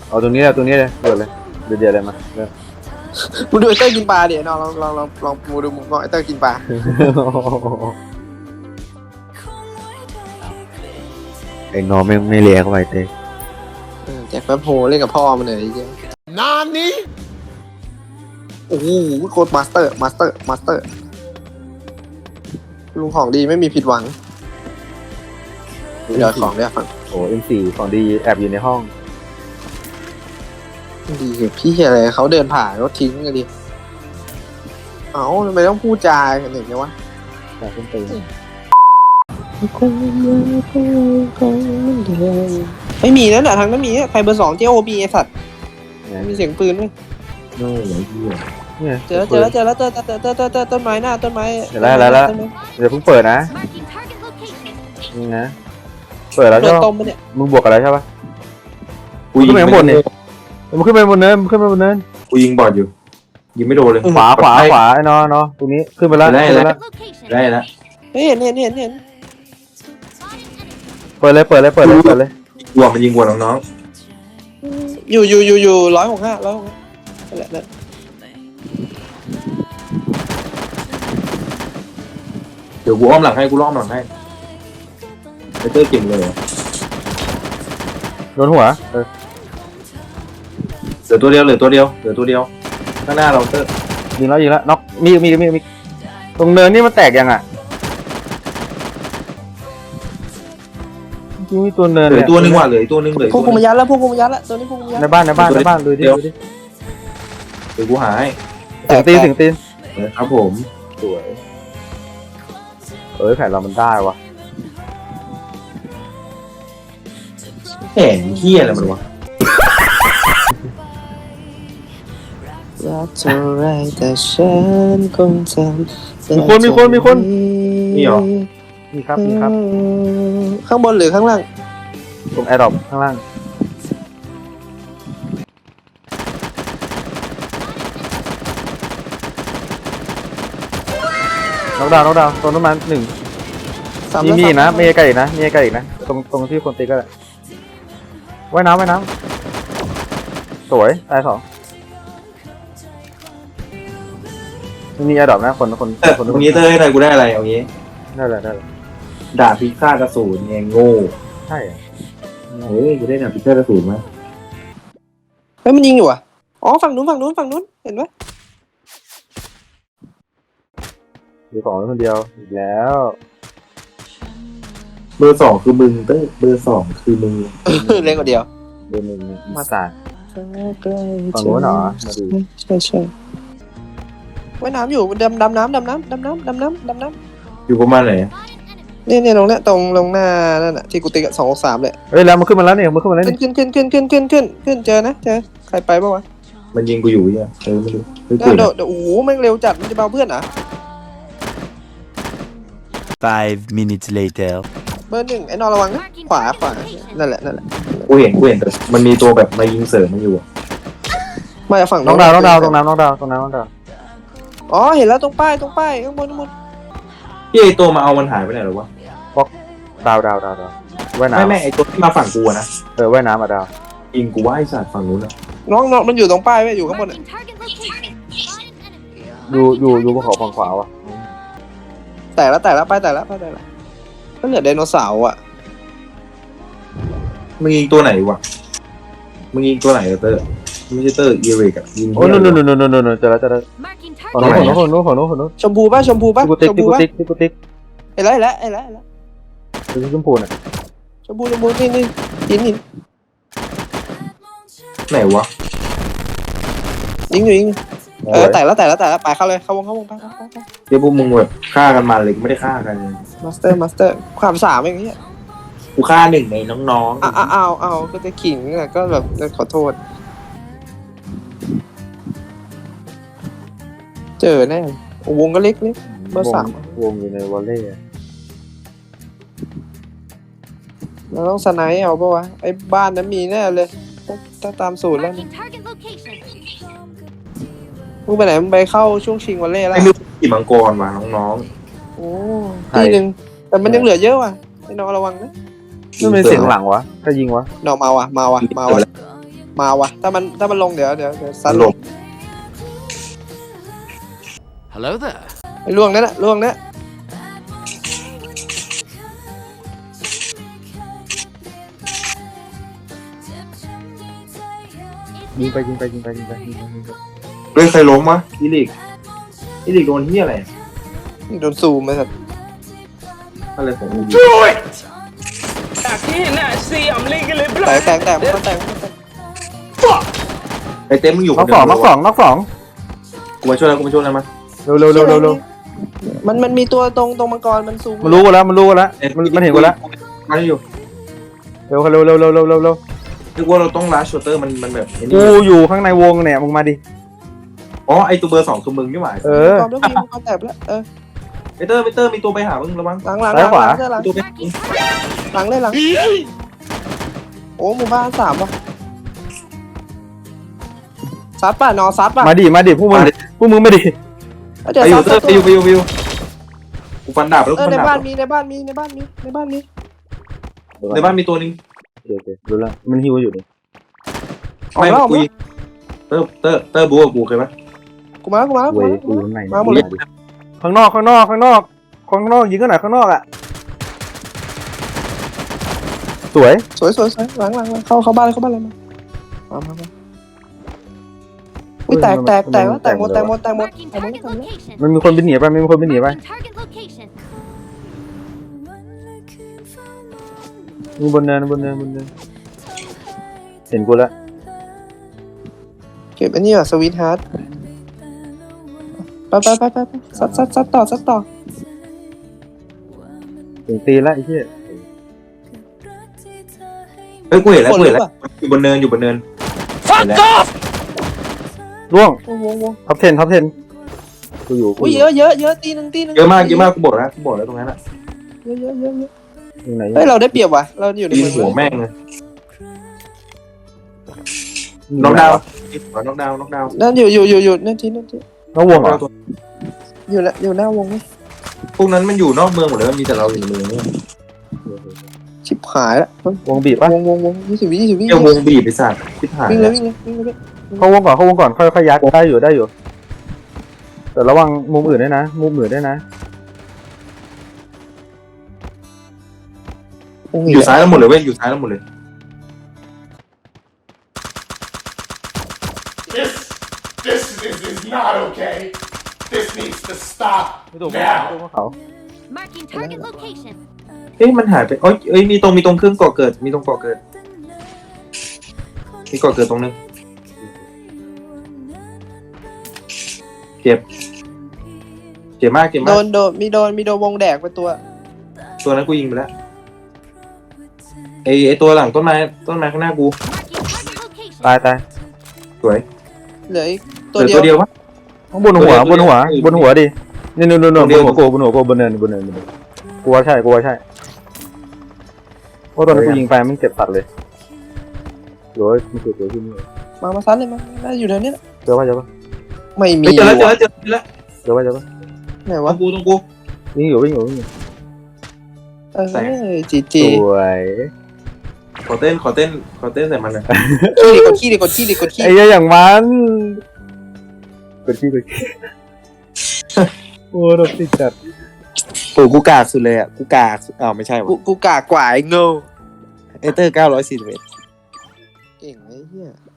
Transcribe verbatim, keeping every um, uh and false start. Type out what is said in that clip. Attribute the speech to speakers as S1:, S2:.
S1: เอาตรงนี้แหละตรงนี้เลยเดือดเลยเดือดเดือดเลยมาเริ่ม
S2: มึงดูไอ้เต้ยกินปลาเดี๋ยวน้องลองลองลองลองดูดูมึงก็ไอ้เต้ยกินปลา
S1: ไอ้น้องไม่ไม่เลี้ยงเข้าไปเต้
S2: เออแจ็คแป๊บโฮเล่นกับพ่อมันเลยไอ้เหี้ย
S3: นานนี้
S2: โอ้โหโคตรมาสเตอร์มาสเตอร์มาสเตอร์ลุงของดีไม่มีผิดหวังเดี๋ยวของเดี๋ยวฟัง
S1: โอ้เอ็มสี่ของดีแอบอยู่ในห้อง
S2: ดีเหี้ยพี่อะไรเขาเดินผ่านรถทิ้งกันดิเอ้าทำไมต้องพูดจากันอย่างเงี้ยวะ
S1: แต่ขึ้นตีน
S2: ไม่มีนั่นแหละทางนั้นมีใครเบอร์สองเจ้าโอบีไอสัตว์มีเสียงปืนไหม
S1: โน่ไหนเหี้ยเนี่ย
S2: เจอเจอเจอแล้วเจอเจอเจอเจอเจอต้นไม้หน้าต้นไม้
S1: เดี๋ยวแล้วแล้วแล้วเดี๋ยวเพิ่งเปิดนะ
S4: Marking target location.
S1: นี่นะเปิดแล้ว
S2: โด
S1: ใช่
S2: น
S1: ปะ
S2: ต้มปะเนี่ย
S1: มึงบวกกันแล้วใช่ปะกูขึ้นไปข้างบนนี่มึงขึ้นไปบนเนินมึงขึ้นไปบนเนิน
S5: กูยิงบอดอยู่ยิงไม่โดนเลย
S1: ขวาขวาขวาไอ้น้องน้องตรงนี้ขึ้นไปแล้วขึ้นไปแล้ว
S4: Location.
S5: ได้แล้ว
S2: เฮ้ยเห็นเห็นเห็นเห็น
S1: เปิดเลยเปิดเลยเปิดเลยเปิดเลย
S5: กลัวมันยิงกลัวน้อง
S2: อยู่อยู่อยู่อยู่ร้อยหกห้าร้อยหกห้านั่นแหละนั่น
S5: ๆเดี๋ยวกูอ้อมหลังให้กูล้อมหลังให้ไอเตอร์เก่งเลยเหรอ
S1: โดนหัวเออ
S5: เหลือตัวเดียวเหลือตัวเดียวเหลือตัวเดียวข้างหน้าเราเตอร์
S1: ยิงแล้วยิงแล้วน็อกมีมีมีมีตรงเนินนี่มันแตกยังอ่ะจริงมีตัวเนิน
S5: เหลือ
S1: เนี่ย
S5: ตัวหนึงว่ะเหลือตัวหนึงเหลือ
S2: พวก
S5: ตั
S2: กู
S5: วหนึ
S2: มาง ยัดแล้วพวกกูมายัดแล้วตัวนี้พวกกูมายัด
S1: ในบ้านในบ้านในบ้านดูดิดูดิ
S5: เดี๋ยวกูหาให้
S1: เสียงตีนเสียงตีน
S5: เออครับผม
S1: สวยเอ้ยแผนเรามันได้วะ
S5: แหมเฮี้ยอะไรมันวะ
S2: รักเท่าไรแต่ฉันคงจำ
S1: มีคนมีคนมีคน
S5: นี่เหรอ
S1: นี่ครับนี่ครับ
S2: ข้างบนหรือข้างล่าง
S1: ตรงแอร์ดรอปข้างล่างน็อกดาวน์น็อกดาวน์ตรงน้ำมันหนึ่ง
S2: สาม
S1: มี
S2: แล้ว
S1: มีอีกนะ
S2: สา
S1: มีไกลอีกนะมีไกลอีกนะตรงตรงที่คนตีก็ได้ว่ายน้ำว่ายน้ำสวยตายสองมีแอร์ดรอปนะคนคน
S5: เออ
S1: คน
S5: ตรงนี้เตอร์ให้อะไรกูได้อะไรเอางี้
S1: ได้เลยได้เลย
S5: ดาบพิฆาตอสูรไงโง่
S1: ใช่อะ
S5: เฮ้ยกูได้ดาบพิฆาตอสูรมา
S2: เฮ้ยมันยิงอยู่อ่ะอ๋อฝั่งนู้นฝั่งนู้นฝั่งนู้นเห็นไหม
S1: มีของคนเดียวอีกแล้ว
S5: เบอร์สองคือมึงเตอร์เบอร์สองคือมึง
S2: เล่นคนเดียว
S1: เดือนหนึ่งมาสาน
S2: ใกล้
S1: ฝั่งนู้นเหรอมาดู
S2: ใช่ใช่ว่ายน้ำอยู่ดำดำน้ำดำน้ำดำน้ำดำน้ำดำน้
S5: อยู่ประมาณไหน
S2: ำเนี่ยเนี่ยตรงเนี้ยตรงตรงหน้านั่นน่ะที่กูติ๊กสองสามเลย
S1: เฮ้ยแล้วมันขึ้นมาแล้วเนี่ยมันขึ้นมาแล้ว
S2: ขึ้น
S1: นี่
S2: ขึ้นขึ้นขึ้นขึ้นขึ้นขึ้นขึ้นเจอนะเจอใครไปบ้างวะ
S5: มันยิงกูอยู่เนี่ยเออไม่รู้เฮ้ย
S2: เดี๋
S5: กู
S2: ยวเดี๋ยวเดี๋ยวโอ้โหแม่งเร็วจัดมันจะเบาเพื่อนเหรอ
S3: Five minutes later.
S2: เบอร์หนึ่งไอ้นอนระวังนะขวาขวานั่นแหละนั่นแหละ
S5: กูเห็นกูเห็นแต่มันมีตัวแบบมายิงเสริมมันอยู่อะ
S2: มาจากฝั่ง
S1: น้องดาวน้องดาวตรงน้ำน้องดาวตรงน้ำน้องดาว
S2: อ๋อเห็นแล้วตรงป้ายตรงป้ายข้างบนข้างบน
S5: พี่ไอตัวมาเอามันหายไปไหนหรอวะ
S1: ดาวดาวดาวดาวว่ายน้
S5: ไม่ไม่ไอตัวที่มาฝั่งกูอะนะ
S1: ำเออว่ายน้ำอ่ะดาว
S5: ยิงกูว่าไอสัตว์ฝั่งนู้นอะ
S2: น้องน้องมันอยู่ตรงป้ายไว้อยู่ข้างบนอะ
S4: Marking target location. Spotted enemy.
S1: อยู่อยู่อยู่บนเขาฝั่งขวาว่ะ
S2: แต่ละแต่ละป้ายแต่ละป้ายแต่ละก็เหลือไดโนเสาร์อ่ะ
S5: มึงยิงตัวไหนวะมึงยิงตัวไหนอะเตอร์ไม่ใช่เตอร์เอริกอะยิง
S1: โอ้ยนู่นนู่นนู่นนู่นนู่นเจอแล้วเจอแล้ว
S4: Marking
S1: ฝั่ง
S4: target.
S1: นู้นฝั่งนู้นฝั่งนู้นฝั่งนู้น
S2: ชมพูป่ะชมพูป่ะ
S1: ที่กูติ๊ก
S2: ชม
S1: ที่
S2: พู
S1: กู
S2: ป่ะ
S1: ติ๊กที่กูติ๊ก
S2: เห็นแล้วเห็นแล้วเห็นแล้วเห็นแล้ว
S1: คือชมพูน่ะ
S2: ชมพูชมพูนี่นี่หินหิน
S5: ไหนวะ
S2: ยิงอยู่ยิงอยู่เออแต่ละแต่ละแต่ละไปเข้าเลยเข้าวงเข้าวงไปไปไป
S5: เดี๋ยวพวกมึงแบบฆ่ากันมาเลยไม่ได้ฆ่ากัน
S2: มาสเตอร์มาสเตอร์ความสามอย่างเงี้ย
S5: กูฆ่าหนึ่งในน้องๆ
S2: อ้าวอ้าวอ้าวก็จะขิงอ่ะก็แบบขอโทษ เจอแน่โอ้วงก็เล็กเล็ก เบอร์สาม
S1: วงอยู่ในวอลเล่
S2: เราต้องสไนป์เอาปะวะไอ้บ้านนั้นมีแน่เลยถ้าถ้าตามสูตรแล้วนะ
S4: Marking target location.
S2: มึงไปไหนมึงไปเข้าช่วงชิงวันเล่แล้ว
S5: ไอ้ลูกขี่มังกรมาน้อง
S2: โอ้ทีหนึ่งแต่มันยังเหลือเยอะว่ะไอ้น้องระวังนะ
S5: ๆ
S1: นี่เป็นเสียงหลังวะถ้ายิงวะ
S2: น้องมาว่ะมาว่ะ
S5: มา
S2: มา
S5: ว่ะ
S2: ว่ะมาวะถ้ามันถ้ามันลงเดี๋ยวเดี๋ยวเดี๋ยวซัดลง
S3: Hello there.
S2: ไอ้ล่วงนั่นแหละล่วงนั่น
S1: ยิงไปยิงไปยิงไปยิงไปยิงไปยิงไป
S5: เฮ้ยใครล้มวะอีลิกอีลิกโดนเฮียอะไร
S2: นี่โดนซูมไหมสัตว์
S5: อะไรของอูบี
S6: จากที่เห็นน่ะเสียมลิงกันเลย
S2: แตกแตกแตกมันก็แตกมันก็แตก
S5: ไอเต็มมึงอยู่
S1: น็อกสองน็อกสองน็อกสอง
S5: กูมาช่วยแล้วกูมาช่วยแล้วมา
S1: เร็วเร็วเร็วเร็วเร็ว
S2: มันมันมีตัวตรงตรงมังกรมันซูม
S1: มันรู้กันแล้วมันรู้กันแล้วมันมันเห็นกันแล้ว
S5: มาอยู่
S1: เร็วเร็วเร็วเร็วเร็วเร็วเร็ว
S5: นึกว่าเราต้องลัชชัตเตอร์มันมันแบบไอ้นี่
S1: กูอยู่ข้างในวงเนี่ยมึงมาดิ
S5: อ๋อไอตัวเบอร์สองคือมึงนี่หว่า
S1: เออ
S2: มังกรแล้วมีมังกรแตกแล้วเออ
S5: ไอเตอร์ไอเตอร์มีตัวไปหามึงระวัง
S2: หลังหลังห
S1: ซ้า
S2: ลั
S1: ย
S2: ง
S1: ขวา
S2: หลังหลัง
S5: ตัวไป
S4: Marking target.
S2: หลังเลยหลังโอ้หมู่บ้านสามว่ะซัดป่ะนอซัดป่ะ
S1: มาดิมาดิพวกมึงพวกมึงไม่ดิ
S2: เดี๋ยว
S5: ไปอ
S2: ซั
S5: ยู่
S2: ด
S5: เตอร์ไปอยู่ไปอยู่ไปอยู่กูฟันดาบแล้ว
S2: เอ
S5: กู
S2: อ
S5: ฟัน
S2: ใน
S5: ดาบ
S2: บ้านมีในบ้านมีในบ้านมีในบ้านมี
S5: ในบ้านมีตัวนึง
S1: โอเคโอเครู้แล้วมันฮิวอยู่นี่
S2: ออก
S5: ไม่
S2: แล้วออก
S5: กู
S2: แล้ว
S5: ยิงเตอร์เตอร์เตอร์บูกับกูเคยไหม
S2: กูมาแล้วกูมาแล้วกู
S1: เว้
S2: มาย แล้ว
S1: กูอยู่ข้างใน
S2: มาหมดเลย
S1: ข้างนอกข้างนอกข้างนอกข้างนอกยิงกันหน่อยข้างนอกอ่ะสวย
S2: สวยสวยสวยหลังหลังหลังเข้าเข้าบ้านเลยเข้าบ้านเลยมามามามาอุ้ยแตกแตกแตกแล้วแตกหมดแตกหมดแตกหมด
S4: Marking
S2: แตกหมด
S4: target
S2: แตกหมด
S4: location.
S1: มันมีคนบินหนีไปมันมีคนบินหนีไป
S4: Marking target location.
S1: มีบนเนินบนเนินบนเนินเห็นกูแล้ว
S2: เก็บอันนี้อ่ะสวีทฮาร์ดไปไปไปไปไปซัดซัดซัดต่อซัดต่อ
S1: ถึงตีแล้วไอ้เหี้ย
S5: เฮ้ยกูเห็นแล้ว
S2: คน
S5: กู
S2: หรื
S5: เห็น
S2: อ
S5: แล้ว
S2: เปล่า
S5: อยู่บนเนินอยู่บนเนิน
S3: Fuck off!
S1: ร่วง
S2: วงวงวง
S1: ท็อปเทนท็อปเทนกูอยู่กู
S2: อุ้ย
S1: อ
S2: เย
S1: ยู่
S2: อะเยอะเยอะตีหนึ่งตีหนึ่ง
S5: เยอะมากเยอะมากกูบอกแล้วกูบอกแล้วตรงนั้นอ่ะ
S2: เยอะเยอะเยอะเยอะ
S1: ตรงไหน
S2: เฮ้ยเราได้เปรียบว่ะเราอยู่ใน
S5: ยิง
S2: เมือง
S5: หัวแม่งเลยน็อกดาวน์น็อกดาวน์น็อกดาวน์
S2: นั่นอยู่อยู่อยู่อยู่นั่นทีนั่นที
S1: น้องวงเหรอ
S2: อยู่นะอยู่หน้าวงไหม
S5: พวกนั้นมันอยู่นอกเมืองหมดเลยมีแต่เราอยู่ในเมืองเนี่ย
S2: ชิบหายละ
S1: วงบีบปะ
S2: วงวงวงยี่สิบวิยี่สิบวิ
S5: เกี่ยววงบีบไปสัตว์ทิพหาย
S2: วิ่งเลยวิ่งเลยวิ่งเลย
S1: เข้าวงก่อนเข้าวงก่อนค่อยค่อยยัดได้อยู่ได้อยู่แต่ระวังมุมอื่นด้วยนะมุมอื่นด้วยนะ
S2: วง
S5: อยู่ซ้ายแล้วหมดเลยเว้ยอยู่ซ้ายแล้วหมดเลย
S7: This, this is, is not okay. This needs to stop
S1: ไม่ถูก
S7: now.
S1: เขา
S4: Marking target location.
S5: เอ๊ะมันหายไปเอ้ยเอ้ยมีตรงมีตรงเครื่องก่อเกิดมีตรงก่อเกิดมีก่อเกิดตรงนึงเจ็บเจ็บมากเจ็บ
S2: โด
S5: มาก
S2: นโดนมีโดนมีโดนวงแดกไปตัว
S5: ตัวนั้นกูยิงไปแล้วไอไอตัวหลังต้นไม้ต้นไม้ข้างหน้ากู
S4: Marking target location.
S1: ตายตาย
S5: สวย
S2: เหลืออีก
S5: เห
S2: ตัว
S5: ลือ
S2: เดีย
S5: ตัว วเดียววะ
S1: ข้างบนหัว
S5: ตัว
S1: บ
S5: เดี
S1: น
S5: ยว
S1: หัว
S5: ตัวเดียว
S1: บนหัวดินี่นู่นนู่นนู่น
S5: ตัว
S1: บ
S5: เดี
S1: น
S5: ยว
S1: หัวกูบนหัวกูบนเนินบนเนินบนเนินกูว่าใช่กูว่าใช่เพราะตอนนั้นกูยิงไปมันเจ็บตัดเลยโอ้ยมันเกิดตัวขึ้นนี่
S2: มามาซัดเลยมาน่าอยู่ในนี้แหละ
S1: เจอป่ะเจอป่ะ
S2: ไม่มี
S5: เฮ้ยเจอแล้วเจอ
S2: ว่ะ
S5: แล้วเจอแล้ว
S1: เจอป่ะเจอป่ะ
S2: ไหน
S5: ตร
S2: วะ
S5: งกูตรงกู
S1: วิ่งอยู่วิ่งอยู่วิ่งอยู่
S2: เออจีจี
S1: สวย
S5: ขอเต้นขอเต้นขอเต้นใส่มันหน่อย
S2: ขี้ดิกดขี้ดิกดขี้ดิกดขี้
S1: ไอ้เหี้ยอย่างมันกดขี้กดขี้โอ้รถติดจัด
S2: โอ้กูกากสุดเลยอ่ะกูกากอ้าวไม่ใช่กูกูกากกว่าไอ้โง่เอเตอร์เก้าร้อยสี่สิบเอ็ดเก่งไอ้เหี้ย